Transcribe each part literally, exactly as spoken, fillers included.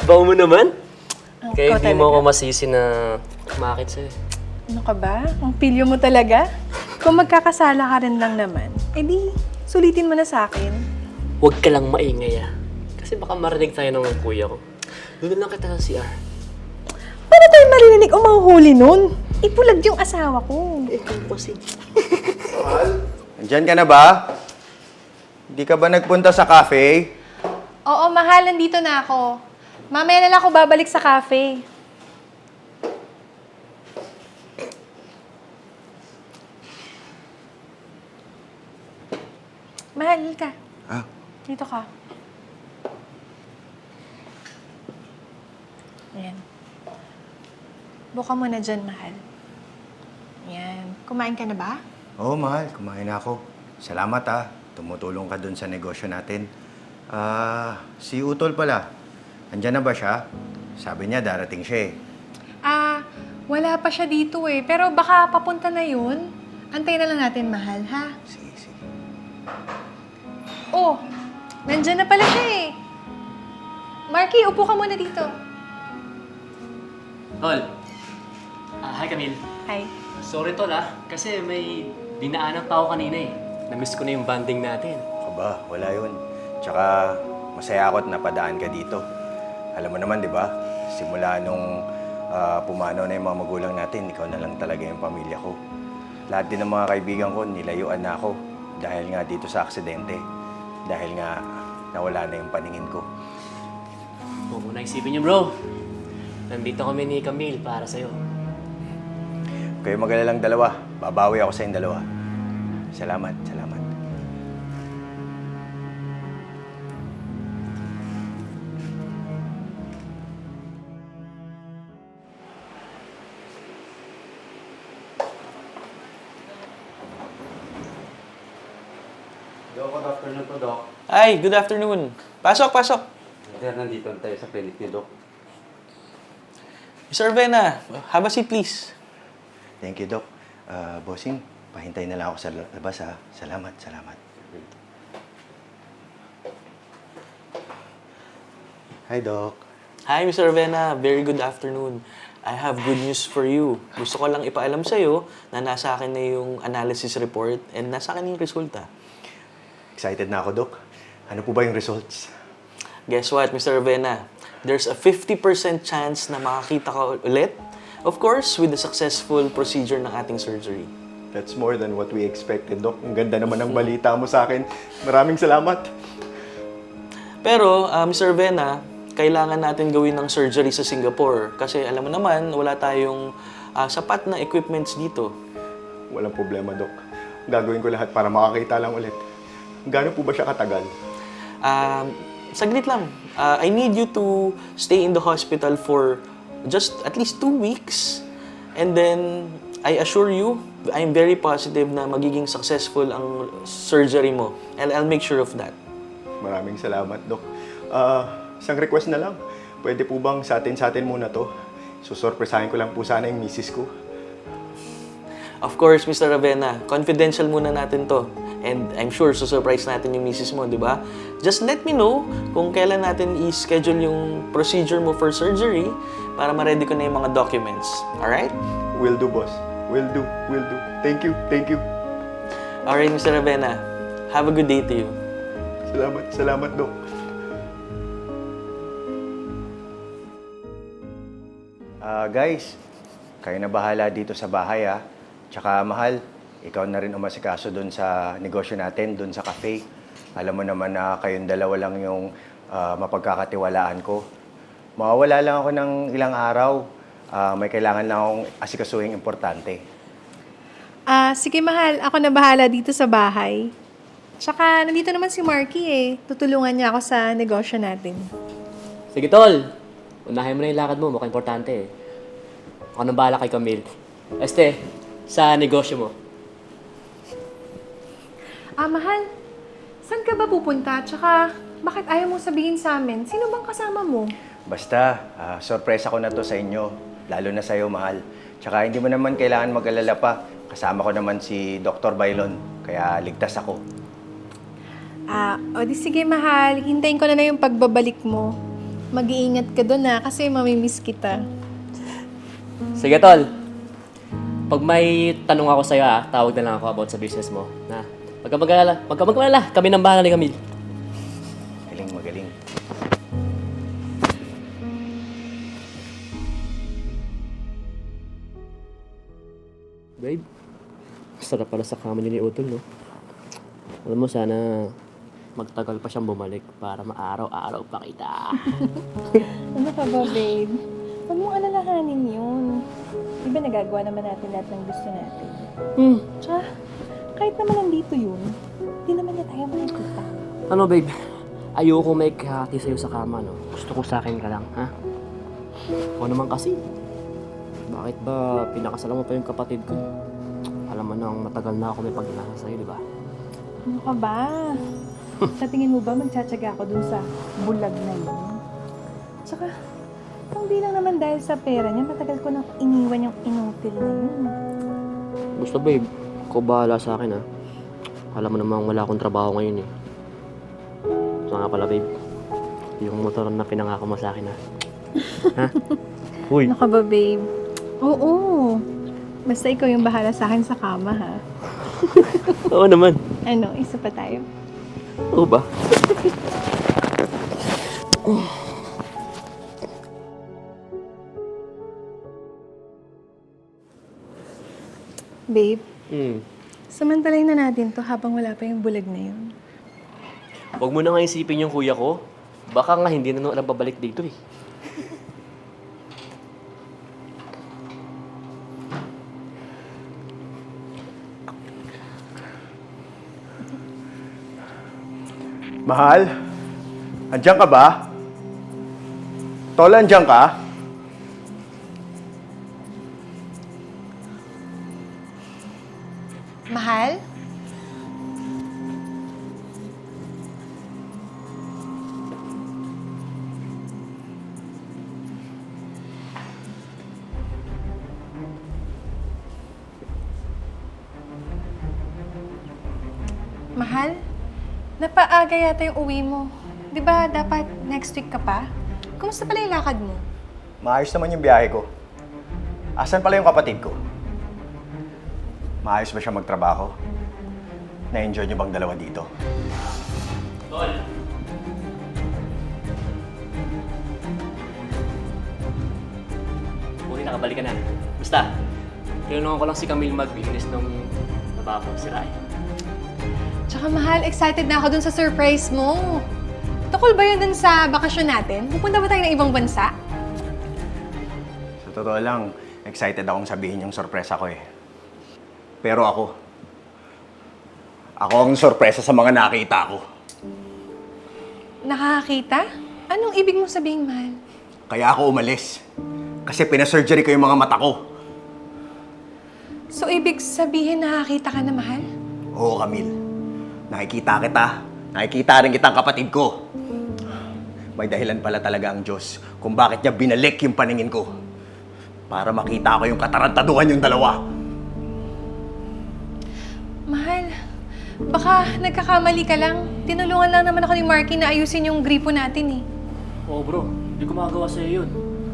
Bawo mo naman. Oh, Kaya ikaw hindi mo talaga. ako masisi na kumakit sa'yo. Ano ka ba? Ang pilyo mo talaga? Kung magkakasala ka rin lang naman, edi sulitin mo na sa akin. Huwag ka lang maingay ah. Kasi baka marinig tayo ng kuya ko. Doon lang kita sa C R. Paano tayo maririnig o mahuhuli nun? Ipulag yung asawa ko. Eh, kung kasi. Mahal, nandyan ka na ba? Hindi ka ba nagpunta sa cafe? Oo, mahal, nandito na ako. Mamaya na lang ako babalik sa cafe. Mahal ka. Ah, Dito ka. Ayan. Buka mo na dyan, mahal. Ayan. Kumain ka na ba? oo mahal, kumain na ako. Salamat ah, tumutulong ka dun sa negosyo natin. Ah, si Utol pala, andyan na ba siya? Sabi niya darating siya eh. Ah, wala pa siya dito eh. Pero baka papunta na yun. Antayin na lang natin, mahal, ha? Sige, sige. Oh, nandyan na pala siya eh. Marky, upo ka muna dito. Tol. Ah, hi Camille. Hi. Sorry tol ah. Kasi may dinaanan pa ako kanina eh. Namiss ko na yung banding natin. Aba, wala yun. Tsaka masaya ako at napadaan ka dito. Alam mo naman, di ba? Simula nung ah, pumanaw na yung mga magulang natin, ikaw na lang talaga yung pamilya ko. Lahat din ng mga kaibigan ko, nilayuan na ako. Dahil nga dito sa aksidente. Dahil nga nawala na yung paningin ko. Huwag mo na isipin niyo bro. Nandito kami ni Camille para sa'yo. Kayo magalalang dalawa. Babawi ako sa inyong dalawa. Salamat, salamat. Doc, good afternoon po, Doc. Ay, good afternoon. Pasok, pasok. Sir, nandito na tayo sa clinic ni Doc. Mister Vena, have a seat please. Thank you, Doc. Ah, bossing, pahintay na lang ako sa labas, ha. Salamat, salamat. Hi, Doc. Hi, Mister Vena. Very good afternoon. I have good news for you. Gusto ko lang ipaalam sa'yo na nasa akin na yung analysis report and nasa akin yung resulta. Excited na ako, Doc. Ano po ba yung results? Guess what, Mister Vena? There's a fifty percent chance na makakita ka ulit. Of course, with the successful procedure ng ating surgery. That's more than what we expected, Doc. Ang ganda naman ng balita mo sa akin. Maraming salamat. Pero, uh, Mister Vena, kailangan natin gawin ng surgery sa Singapore. Kasi alam mo naman, wala tayong uh, sapat na equipments dito. Walang problema, Doc. Gagawin ko lahat para makakita lang ulit. Gaano po ba siya katagal? Um, saglit lang. Uh, I need you to stay in the hospital for just at least two weeks. And then, I assure you, I'm very positive na magiging successful ang surgery mo. And I'll make sure of that. Maraming salamat, Doc. Ah, isang request na lang. Pwede po bang sa atin sa atin muna to? Susurpresahin ko lang po sana yung misis ko. Of course, Mister Ravena, confidential muna natin to. And I'm sure susurprise natin yung misis mo, di ba? Just let me know kung kailan natin i-schedule yung procedure mo for surgery para ma-ready ko na yung mga documents. Alright? Will do, boss. Will do, will do. Thank you, thank you. Alright, Mister Ravena. Have a good day to you. Salamat, salamat, Doc. Ah, guys, kayo na bahala dito sa bahay, ah. Tsaka, mahal, ikaw na rin umasikaso doon sa negosyo natin, doon sa cafe. Alam mo naman na kayong dalawa lang yung ah, mapagkakatiwalaan ko. Mawawala lang ako ng ilang araw. Ah, may kailangan lang akong asikasuhing importante. Ah, sige mahal, ako na bahala dito sa bahay. Tsaka, nandito naman si Marky eh. Tutulungan niya ako sa negosyo natin. Sige tol. Unahin mo na yung lakad mo. Mukhang importante eh. Ako nang bahala kay Camille. Este, sa negosyo mo. Ah, mahal, saan ka ba pupunta? Tsaka, bakit ayaw mo sabihin sa amin? Sino bang kasama mo? Basta, ah, sorpresa ko na to sa inyo. Lalo na sa'yo, mahal. Tsaka hindi mo naman kailangan mag-alala pa. Kasama ko naman si Doctor Bailon. Kaya ligtas ako. Ah, o di sige mahal, hintayin ko na na yung pagbabalik mo. Mag-iingat ka doon ha, kasi mamimiss kita. Sige, tol. Pag may tanong ako sa'yo, ah, tawag na lang ako about sa business mo. Na, Pag ka mag-alala, pag ka mag-alala, kami nang bahala ni Camille. Galing, magaling. Babe, sarap pala sa kama niyo ni Utol, no? Alam mo, sana magtagal pa siyang bumalik para maaraw-araw pa kita. Ano ka ba, babe? Huwag mong alalahanin yun. Di ba nagagawa naman natin lahat ng gusto natin? Hmm. Tsaka, kahit naman nandito yun, di naman niya tayo makikita. Ano, babe? Ayoko may kahati sa'yo sa kama, no? Gusto ko sa akin ka lang, ha? O naman kasi. Bakit ba pinakasalan mo pa yung kapatid ko? Alam mo nang matagal na ako may pag-inasa sa'yo, di ba? Ano ka ba? Sa tingin mo ba magtsatsaga ako dun sa bulag na yun? Tsaka, hindi lang naman dahil sa pera niya, matagal ko nang iniwan yung inutil na yun. Gusto, babe. Ikaw bahala sa akin, ha? Alam mo namang wala akong trabaho ngayon, eh. So nga pala, babe. Yung motor na pinangako mo sa akin, ha? Ha? Uy. Ano ka ba, babe? Oo. Basta ikaw yung bahala sa akin sa kama, ha? Oo naman. Ano, isa pa tayo? Oo ba? Babe, Hmm. samantalayin na natin to habang wala pa yung bulag na yun. Huwag mo na nga isipin yung kuya ko. Baka nga hindi na nung alam pabalik dito, eh. Mahal, andyan ka ba? Tol, andyan ka? Mahal? Mahal? Napaaga yata yung uwi mo. Di ba dapat next week ka pa? Kumusta pala yung lakad mo? Maayos naman yung biyahe ko. Asan pala yung kapatid ko? Maayos ba siya magtrabaho? Na-enjoy niyo bang dalawa dito? Tol. Buti nakabalik ka na. Basta, tinulungan ko lang si Camille mag-business nung nababaw si Rai. Tsaka mahal, excited na ako dun sa surprise mo. Tukol ba yun dun sa bakasyon natin? Pupunta ba tayo ng ibang bansa? Sa totoo lang, excited akong sabihin yung sorpresa ko eh. Pero ako, ako ang sorpresa sa mga nakita ko. Nakakakita? Anong ibig mong sabihin, mahal? Kaya ako umalis. Kasi pinasurgery ko yung mga mata ko. So, ibig sabihin nakakita ka na, mahal? Oo, Camille. Nakikita kita. Nakikita rin kitang kapatid ko. May dahilan pala talaga ang Diyos kung bakit niya binalik yung paningin ko. Para makita ko yung katarantaduhan yung dalawa. Mahal, baka nagkakamali ka lang. Tinulungan lang naman ako ni Marky na ayusin yung gripo natin eh. Oo, bro. Hindi ko magagawa sa'yo yun.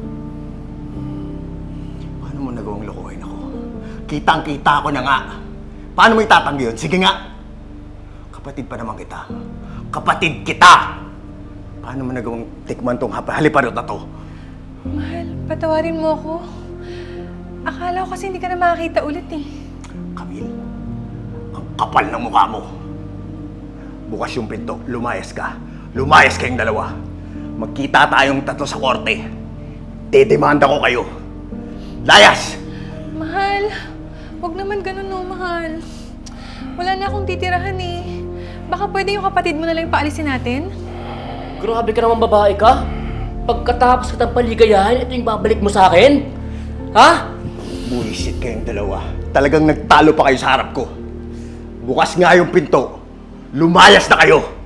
Paano mo nagawang lokohin ako? Kitang-kita ko na nga. Paano mo itatanggi yun? Sige nga. Kapatid pa naman kita. Kapatid kita! Paano mo nagawang tikman tong hap- haliparot na to? Mahal, patawarin mo ako. Akala ko kasi hindi ka na makakita ulit eh. Camille, ang kapal ng mukha mo. Bukas yung pinto, lumayas ka. Lumayas kayong dalawa. Magkita tayong tatlo sa korte. Dedemanda ko kayo. Layas! Mahal, wag naman ganun no, mahal. Wala na akong titirahan eh. Baka pwede yung kapatid mo na lang yung paalisin natin? Grabe ka naman babae ka. Pagkatapos kitang paligayahan, ito yung babalik mo sa akin? Ha? Buwisit kayong dalawa. Talagang nagtalo pa kayo sa harap ko. Bukas nga yung pinto. Lumayas na kayo!